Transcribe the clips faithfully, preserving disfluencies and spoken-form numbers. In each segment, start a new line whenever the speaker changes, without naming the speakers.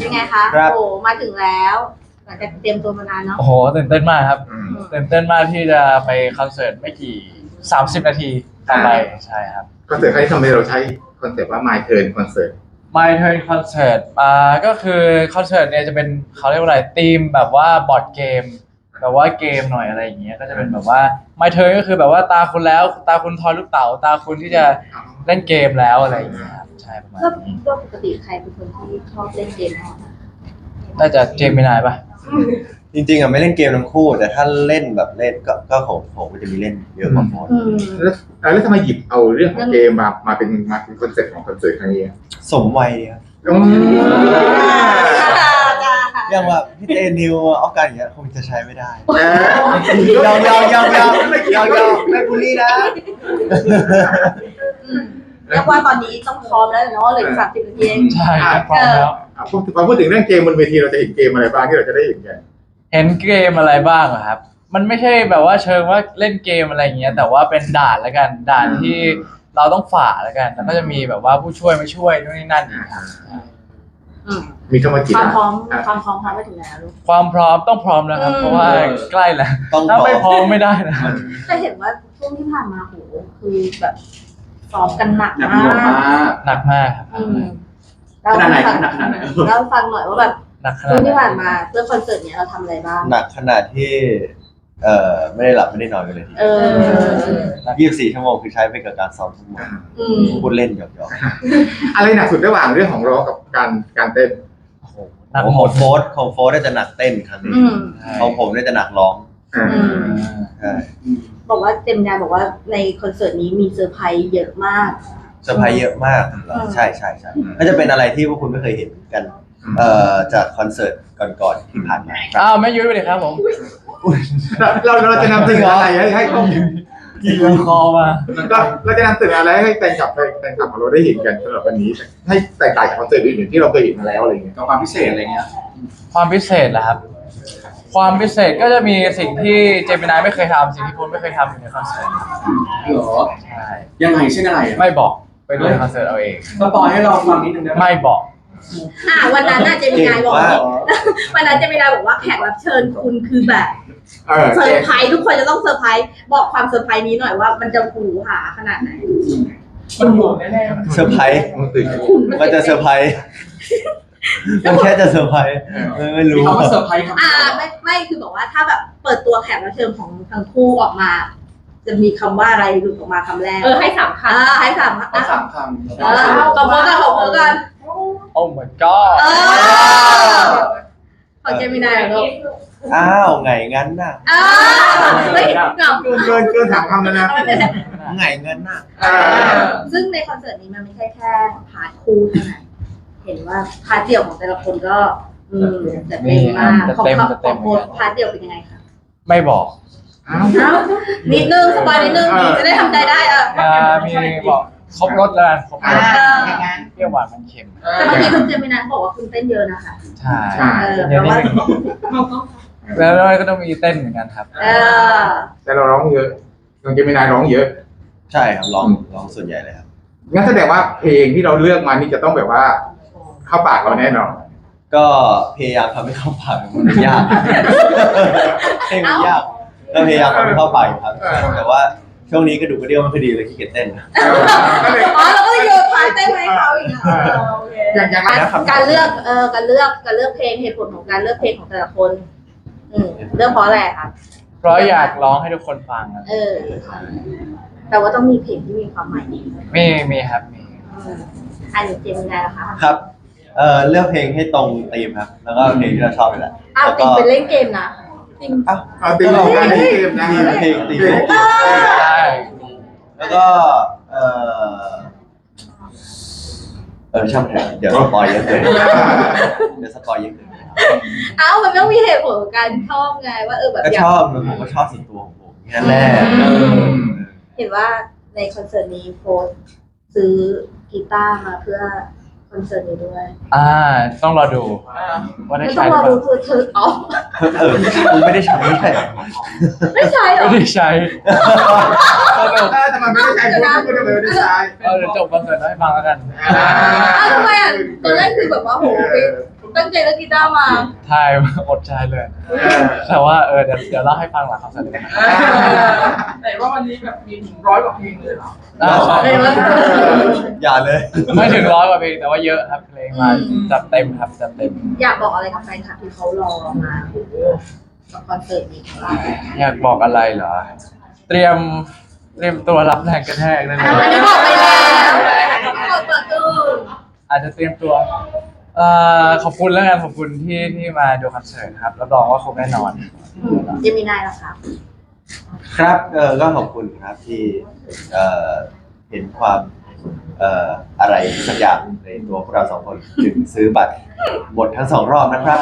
เป็นไงคะโอ้มาถึงแล้วหลังจากเตรียมตัวมานานเนาะ
โอ้โหตื่นเต้นมากครับตื่นเต้นมากที่จะไปคอนเสิร์ตไม่กี่สามสิบนาทีต่อไปใช่ครับ
คอนเสิร์ตครั้งนี้ทำไมเราใช้คอนเซ็ปต์ว่า My Turn คอนเสิร์ต
My Turn Concert อ่าก็คือคอนเสิร์ตเนี่ยจะเป็นเขาเรียกว่าอะไรธีมแบบว่าบอร์ดเกมแบบว่าเกมหน่อยอะไรอย่างเงี้ยก็จะเป็นแบบว่า My Turn ก็คือแบบว่าตาคุณแล้วตาคุณทอยลูกเต๋าตาคุณที่จะเล่นเกมแล้วอะไรอย่างเงี้ยครับใช่ประมาณนี้
ก็ปกติใครเป็นคนที่ชอบเล่นเกมมาก
น่าจะเจมินายป่ะ
จริงๆอ่ะไม่เล่นเกมทั้งคู่แต่ถ้าเล่นแบบเล่นก็ก็ของผมก็จะมีเล่นเยอะกว่าโฟน
แล้วแล้วทำไมหยิบเอาเรื่องของเกมมามาเป็นมาเป็นคอนเซ็ปต์ของคอนเสิร์ตครั้งนี้
สมวัยครับอย่างว่าพี่เจนิวออฟกันอย่างเงี้ยคงจะใช้ไม่ได้ยาวยาวยาวยาวยาวยาวไม่บูลลี่นะ
เรียกว่าตอนนี้ต้องพร้อมแล้วเนาะเหลือสามสิบนาทีเอง
ใช่พร้อมแล้ว
พอพูดถึงเรื่องเกมบนเวทีเราจะเห็นเกมอะไรบ้างที่เราจะได้เห็นกัน
เห็นเกมอะไรบ้างอะครับมันไม่ใช่แบบว่าเชิงว่าเล่นเกมอะไรอย่างเงี้ยแต่ว่าเป็นด่านละกันด่านที่เราต้องฝ่าละกันแล้วก็จะมีแบบว่าผู้ช่วยมาช่วยนู่นนี่นั่น
มีเข้ามากี่
ความพร้อมความพร้อมพร้อมไปถึงไหนลูก
ความพร้อมต้องพร้อมแล้วครับเพราะว่าใกล้แล้วถ้าไม่พร้อมไม่ได้นะ
แต่เห็นว่าช่วงที่ผ่านมาโหคือแบบซ้อมกันหนักมาก
หนักมากครับ
ขนาดไหนขนาดไหนเราฟังหน่อยว่าแบบช่วงที่ผ่านมาเพื่อคอนเสิร์ตเนี้ยเราทำอะไรบ้าง
หนักขนาดที่เอ่อไม่ได้หลับไม่ได้นอนกันเลยที
เออ
ยี่สิบสี่ชั่วโมงคือใช้ไปกับการซ้อมทุกวันพูดเล่นหยอก
ๆอะไรหนักสุดระหว่างเรื่องของร้องกับการการเต้น
หนักหมดโฟร์ของโฟร์ได้จะหนักเต้นครั้งนี้ของผมได้จะหนักร้อง
บอกว่าเต็มงานบอกว่าในคอนเสิร์ตนี้มีเซอร์ไพรส์เยอะมาก
เซอร์ไพรส์เยอะมากใช่ใช่ใช่ก็จะเป็นอะไรที่พวกคุณไม่เคยเห็นกันเอ่อจากคอนเสิร์ตก่อนๆที่ผ่านมา
อ้าวไม่ยุ้ยไปเลยครับผม
เราเราจะนำเสนออะไรให้ให้เขา
ยิงคอมา
เราเราจะนำเสนออะไรให้แฟนคลับแฟนคลับของเราได้เห็นกันสำหรับวันนี้ให้แตกต่างจากคอนเสิร์ตอื่นๆที่เราเคยเห็นมาแล้วอะไรเงี้ยความพิเศษอะไรเงี้ย
ความพิเศษเหรอครับความพิเศษก็จะมีสิ่งที่เจมินายไม่เคยทำสิ่งที่คุณไม่เคยทำอยู่ในคอนเสิร์ต
หรอใช่ยังไงเช่นอะไร
ไม่บอกไปดูในคอนเสิร์ตเอาเอง
สปอยให้เราฟังนิดนึงได้ไหม
ไม่บอก
อ่าวันนั้นน่าจะมีนายบอกวันนั้นจะมีนายบอกว่าแขกรับเชิญคุณคือแบบเซอร์ไพรส์ทุกคนจะต้องเซอร์ไพรส์บอกความเซอร์ไพรส์นี้หน่อยว่ามันจะหูหาขนาดไหน
มันหูแน่
ๆเซอร์ไพรส์มันจะเซอร์ไพรส์มันแค่จะเซอร์ไพรส์ไม่รู้
เขาเซอร์ไพรส์
อ่าไม่ไม่คือบอกว่าถ้าแบบเปิดตัวแขกรับเชิญของทั้งคู่ออกมาจะมีคำว่าอะไรหลุดออกมาคำแรก
เออให้สามค
ำให้สาม
คำสามคำ
เออขอบคุณกันขอบคุณกัน
โอ้ my god
ขอเจมินายเหรอ
อ้าวไงงั้นน่ะ
อ้าวเฮ้ยเกิน
เกินเกินสามคำแล้วนะ
ไงงั้นน่ะ
ซึ่งในคอนเสิร์ตนี้มันไม่ใช่แค่พาร์ทคู่เท่านั้นเห็นว่าพาร์ทเดี่ยวของแต่ละคนก็อืมจะเต็มมากของของโค้ชพาร์ทเดี่ยวเป็นยังไงคะ
ไม่บอก
นิดนึงสบายนิดนึงจะได้ทำใจได้อ่ะ
มีบอกครบรสแล้วครบรสเปรี้ยวหวานมันเค็ม
แต่เมื่อกี้คุณเจมินายบอกว่าคุณเต้นเยอะนะคะ
ใช่แล้วเราก็ต้องมีเต้นเหมือนกันครับ
แต่เราร้องเยอะน้องเจมินายร้องเยอะ
ใช่ครับร้องร้องส่วนใหญ่เลยครับ
งั้นแสดงว่าเพลงที่เราเลือกมานี่จะต้องแบบว่าเข้าปากเราแน่นอน
ก็พยายามทำให้เข้าปากมันยากเพลงมันยากก็พยายามทำให้เข้าปากครับแต่ว่าช่วงนี้กระดูกกระเดี่ยวไม่ค่อยดีเลยขี้เกียจเต้น
อ๋อเราก็เลยโยนพาเต้นให้เขาอีกการเลือกเออการเลือกการเลือกเพลงเหตุผลของการเลือกเพลงของแต่ละคนอืมเลือกเพราะอะไรคะ
เพราะอยากร้องให้ทุกคนฟัง
เออแต่ว่าต้องมีเพลงที่มีความหมายดี
มีมีครับมี
อันนี้เจมินายเหรอคะ
ครับเอ่อเลือกเพลงให้ตรงธีมครับแล้วก็เพลงที่เราชอบไปแหละ
อ้าวติดเป็นเล่นเกมนะ
จริงอ้าวเอาตีมของการเล่นเกมนะเพลงตีมใช่แล้วก็เออเออช่างเถอะเดี๋ยวสปอยเยอะเกินเดี๋ยวสปอยเยอะเกิน
เอ้ามันต้องมีเหตุผลของการชอบไงว่าเออแบบ
ก็ชอบผมก็ชอบส่วนตัวของผมแค่แรก
เห็นว่าในคอนเสิร์ตนี้โฟร์ซื้อกีตาร์มาเพื่อคอนเสิร์ตนี้ด้วย
อ่าต้องรอดูว่าได้ใช้
หรือเปล่าต้องรอดูคือเธออ๋อ
เออคุณไม่ได้ใช้ไม่ใช่
ไม่ใช่หรอ
ไม่ได้ใช้
แต่มันไม่ได้ใช้คุณไม่ได้ใช้
เออเดี๋ยวจบคอนเสิร์ตให้ฟังแล้วกัน
อ้าวทำไมอ่ะตอนแรกคือแบบว่าโหตั้งใจเล่นกีตาร์มา
ทายอดใจเลย แต่ว่าเออเดี๋ยวเดี๋ยวเล่าให้ฟังหลังคอนเสิร์ตเลยนะ
แต่ว่าวันนี้แบบมีถึงร้อยกว่าเพลงเลยเหรอ
อ่าใช่
อย่าเลย
ไม่ถึงร้อยกว่าเพลงแต่ว่าเยอะครับเพลงมาจัดเต็มครับจัดเต็ม
อยากบอกอะไรกับแฟนคลับที่เขารอมาโอ้โหกับคอนเสิร์ตนี้ของเรา
อยากบอกอะไรเหรอ เตรียมเตรียมตัวรับแรงกระแทกได้เลย
อันนี้บอกไปแล้วเขาเปิดตู้
อาจจะเตรียมตัวเอ่อขอบคุณแล้วกันขอบคุณที่ที่มาดูคอนเสิร์ตครับรับรองว่าครบแน่นอน
เจมินายล่ะครับ
ครับเออก็ขอบคุณครับที่เอ่อเห็นความเอ่ออะไรสักอย่างในตัวพวกเราสองคนถึงซื้อบัตรหมดทั้งสองรอบนะครับ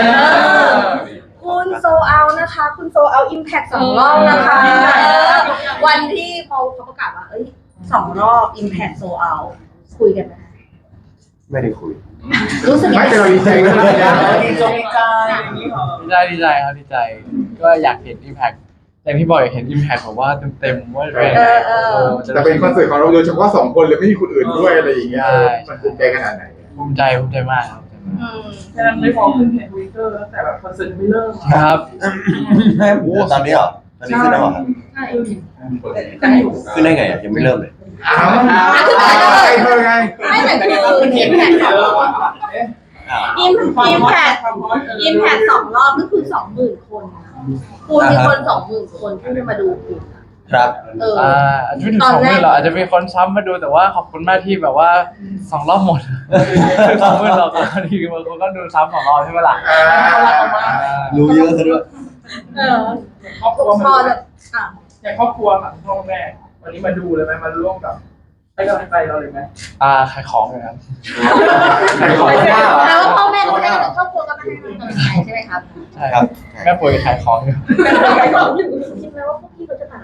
คุณโซเอานะคะ คุณโซเอาอิมแพคสองรอบนะคะวันที่พอเขาประกาศว่าเอ้ยสองรอบอิมแพคโซเอาคุยกันไหม
ไม่ได้คุย
รู้สึกยัง
ไม่
ไง
แต่เราดีใจก็ได้นะ
ดีใจดีใจอย่างนี้เหรอ
ดีใจดีใจครับดีใจ ก็อยากเห็น Impact อย่างที่บอกอยากเห็น Impact ผมว่าเต็มๆว่าเป็น
เออเออ
แต่เป็นคอนเสิร์ตของเราโดยเฉพาะสองคนเลยไม่มีคนอื่นด้วยอะไรอย่างเงี้ยมันภูมิใจขนาดไหน
ภูมิใจภูมิใจมากครับ
อืม
แค่นั้นไม่พอขึ้นเพจทวิตเตอร์ตั้งแต่แบบคอนเสิร์ตไม่เริ่ม
ครับ
ตอนนี้เหรอตอนนี้ขึ้นแล้วเหรอครับ
ใช่
แต่อยู่
ขึ้นได้ไงอ่ะยังไม่เริ่มเลย
อ้าวใครเธอไง
ไม่แต่คืออิมแพคสองรอบ
อ้าว
อิมอิมแพคอิมแพคสองรอบก็คือสองหมื่นคนคุณมีคนสองหมื่นคนที่จะมาดูคุณ
ครับ
เออ
อ่าอาจจะไม่ถึงสองหมื่นหรอกอาจจะมีคนซ้ำมาดูแต่ว่าขอบคุณมากที่แบบว่าสองรอบหมดสองหมื่นหรอกบางทีบางคนก็ดูซ้ำสองรอบใช่ไหมล่ะ
รู้เยอะซะด้วย
เออ
ครอบครัว
พ
มา
อ
ดู
แบบอ่ะ
อย่างครอบครัวค่ะพ่อแม่วันนี้มาดูเลยไหมมาร่วมกับให้กำลังใจเราเลยไหม
อ่าขายของเลยครับ
ใครขอ
แป
หน้า
ลว่าพ่อแม่ก็ไม่ได้เป็นครอบครัวก็ไม่ได้เป็นกำลังใจใช่ไหมครับ
ใช่ครับแม่ป่วยขายของอยู่
คิดไหมว่าพวกพี่เขาจะผ่านอะไร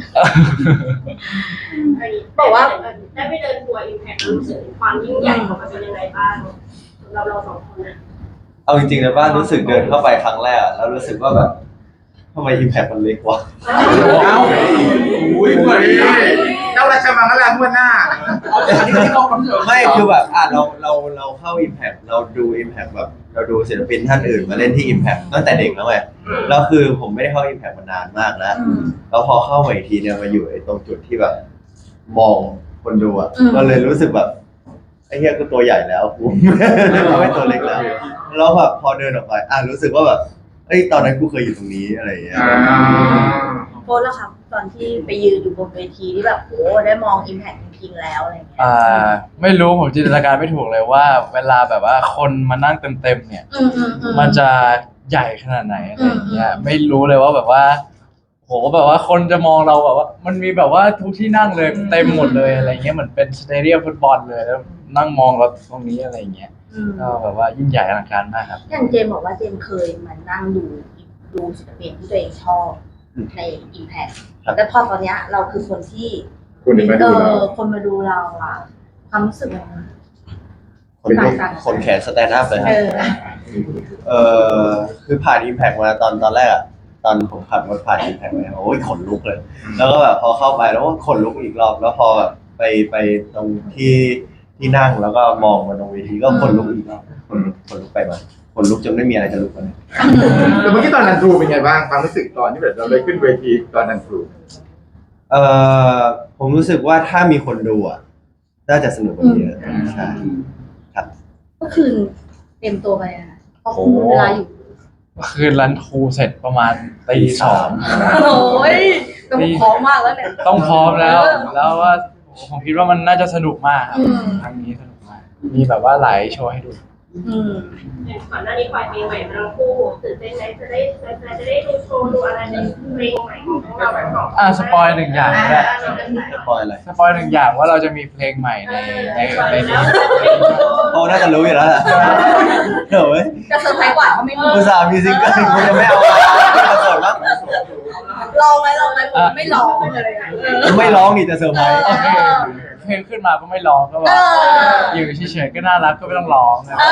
บอกว่า
ได้ไปเดินทัวร์อิมแพครู้สึกความยิ่งใหญ่ของมันเป็นยังไงบ้างเราเราสองคนนะ
เอาจริงๆนะบ้านรู้สึกเดินเข้าไปครั้งแรกอะแล้วรู้สึกว่าแบบทำไมอิมแพคมันเล็กวะ
เอ้าอุ้ยเหมือนเจ้าราชมังคลาเมื่อหน้า
อันนี้ที่เราคอนเสิร์ต
ไม่คือแบบอ่ะเราเราเราเข้า Impact เราดู Impact แบบเราดูศิลปินท่านอื่นมาเล่นที่ Impact ตั้งแต่เด็กแล้วไงแล้วคือผมไม่ได้เข้า Impact มานานมากแล้วแล้วพอเข้ามาอีกทีเนี่ยมาอยู่ไอ้ตรงจุดที่แบบมองคนดูอ่ะก็เลยรู้สึกแบบไอ้เหี้ยก็ตัวใหญ่แล้วกูไม่ตัวเล็กแล้วแล้วแบบพอเดินออกไปอ่ะรู้สึกว่าแบบเอ้ยตอนนั้นกูเคยอยู่ตรงนี้อะไรอย่างเงี้ย
โพสแล้วครับตอนที่ไปยืนอยู่บนเวทีที่แบบโอ้ได้มองอิมแพคจริงๆแล้วอะไรเงี้ย
อ่าไม่รู้ผมจินตนาการไม่ถูกเลยว่า เวลาแบบว่าคนมานั่งเต็มๆเนี่ย
อืมอืมอืม
มันจะใหญ่ขนาดไหนอะไรอย่างเงี้ยไม่รู้เลยว่าแบบว่าโหแบบว่าคนจะมองเราแบบว่า มันมีแบบว่าทุกที่นั่งเลยเต็มหมดเลยอะไรเงี้ยเหมือนเป็นสเตเดียมฟุตบอลเลยแล้วนั่งมองเราตรงนี้อะไรอย่างเงี้ย
อืม
ก็แบบว่ายิ่งใหญ่อลังการมากครับ
อย่างเจมบอกว่าเจมเคยมานั่งดูดูศิลปินที่ตัวเองชอบในอิมแพคแล้วพอตอนเนี้ยเราคือคนที่
คุณมา
เอ
ดูเรา
อคนมาดูเราอะความรู้สึกมัน
คนคนแขนสแตนด์อัพเลยค
เอ
รับ
อ
เออคือผ่าน Impact มาตอนตอนแรกอะตอนผมขับรถผ่าน Impact มาโอ้ยขนลุกเลย แล้วก็แบบพอเข้าไปแล้วก็ขนลุกอีกรอบ แล้วพอแบบไปไปตรงที่ที่นั่งแล้วก็มองมาตรงเวทีก็ขนลุกอีกรอบขนลุกขนลุกไปมาขนลุกจนไม่มีอะไรจะลุกเลย
แต่เมื่อกี้ตอนนันทรูเป็นไงบ้างความรู้สึกตอนที่แบบเราได้ขึ้นเวทีตอนนันทรู
เออผมรู้สึกว่าถ้ามีคนดูอะน่าจะสนุกกว่านี้เยอะใช่ครับ
เมื่อคืนเต็มตัวไปอะเพราะคุณเวลาอยู่
คืนรันทูเสร็จประมาณตีสอง
โอ้ยต้องพร้อมมากแล้วเนี่ย
ต้องพร้อมแล้ว แล้วว่าผมคิดว่ามันน่าจะสนุกมากครับ
อืม
ครั้งนี้สนุกมากมีแบบว่าหลายโชว์ให้ดู
อืม
อย่างก่อนหน้านี้ปล่อยเพลงใหม่มาทั้งคู่ตื่นเต้นไหมจะได้จะได้ดูโชว์ดูอะไรในเพลงใหม่ของเราสอง
อ่ะสปอยหนึ่งอย่างก็ได้
จะปล่อยอะไร
สปอยหนึ่งอย่างว่าเราจะมีเพลงใหม่ในในในนี้
โอ้น่าจะรู้อยู่แล้วแหละเดี๋ยวเว้ย
จะเซอร์ไพรส์กว่าเขาไม่มี
อุตส่าห์มีซิงเกิลคุณจะไม่เอามาที่คอนเสิร์ตมั้ง
ลองไหมลองไหมผมไม่ลองเลยอะเออ
ไม่ร้องนี่จะเซอร์ไพรส์
โอเคเพลงขึ้นมาก็ไม่ร้องก็แบบ
เออ
อยู่เฉยๆก็น่ารักก็ไม่ต้องร้องนะ
เอ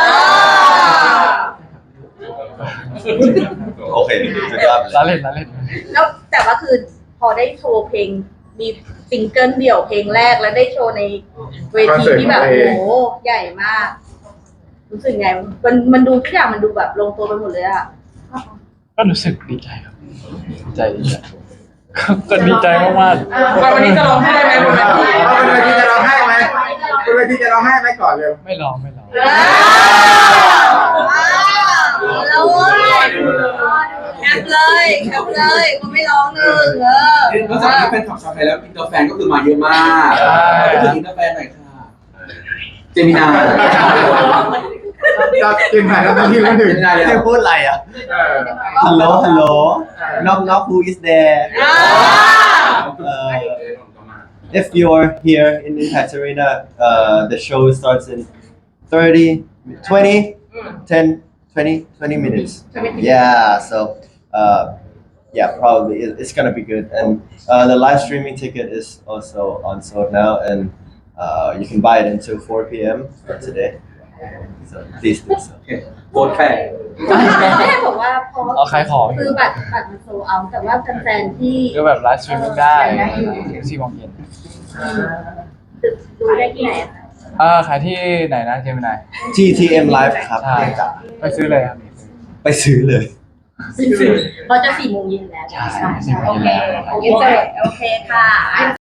อ
โอเคสุดยอดเล
ล้อย เล่นล้อเล่น
แล้วแต่ว่าคือพอได้โชว์เพลงมีซิงเกิลเดี่ยวเพลงแรกแล้วได้โชว์ในเวทีที่แบบโอ้โหใหญ่มากรู้สึกไงมันมันดูทุกอย่างมันดูแบบลงตัวไปหมดเลยอะ
ก็รู้สึกดีใจครับดีใจดีใจก็ดีใจมาก
วันนี้จะร้องไห้ไหม
เอาเป็นเวทีจะร้องไห้ไหมเป็นเวทีจะร้องไห้ไหมก่อนเลย
ๆไม่ร้องไม่ร้อง
แล้วแคปเลยแคปเลยมันไม่ร้องหนึ่งเออน
อกจากที่แฟนขับชาวไทยแล้วอินเตอร์แฟนก็คือมาเยอะมากพูดถึงอินเตอร์แฟนหน่อยค่ะเจมินา
จะกินไหนแล้วที่ละหนึ่ง
เจมินาเลย
ให้พูดอะไรอ่ะ
เออ
ฮัลโหลฮัลโหล knock knock who is there uh, if you're here in Impact Arena uh, the show starts in thirty twenty ten twenty twenty minutes yeah so uh, yeah probably it, it's gonna be good and uh, the live streaming ticket is also on sold now and uh, you can buy it until four p.m. today so please do so
โคตรแฟน
แม่บอกว่าพอ
เอาขายของอ
คื
ยู่
อบัตรบัตรมันโซลเอาท์แต่ว่าแฟนๆที่
ก็แบบไลฟ์สตรีมมิ่งได้ถึงสี่โมงเย็น
ดูได้ที่ไหนอะคะ
อ่าขายที่ไหนนะเจมินาย
ที ที เอ็ม Live ครับ
ใช่ไปซื้อเลยครับ
ไปซื้อเลย
เพราะจะสี่โมงเย็นแล้ว
ใช่สี่โมง
โอ
เย็น
เค
แล้ว
โอเคโอเคค่ะ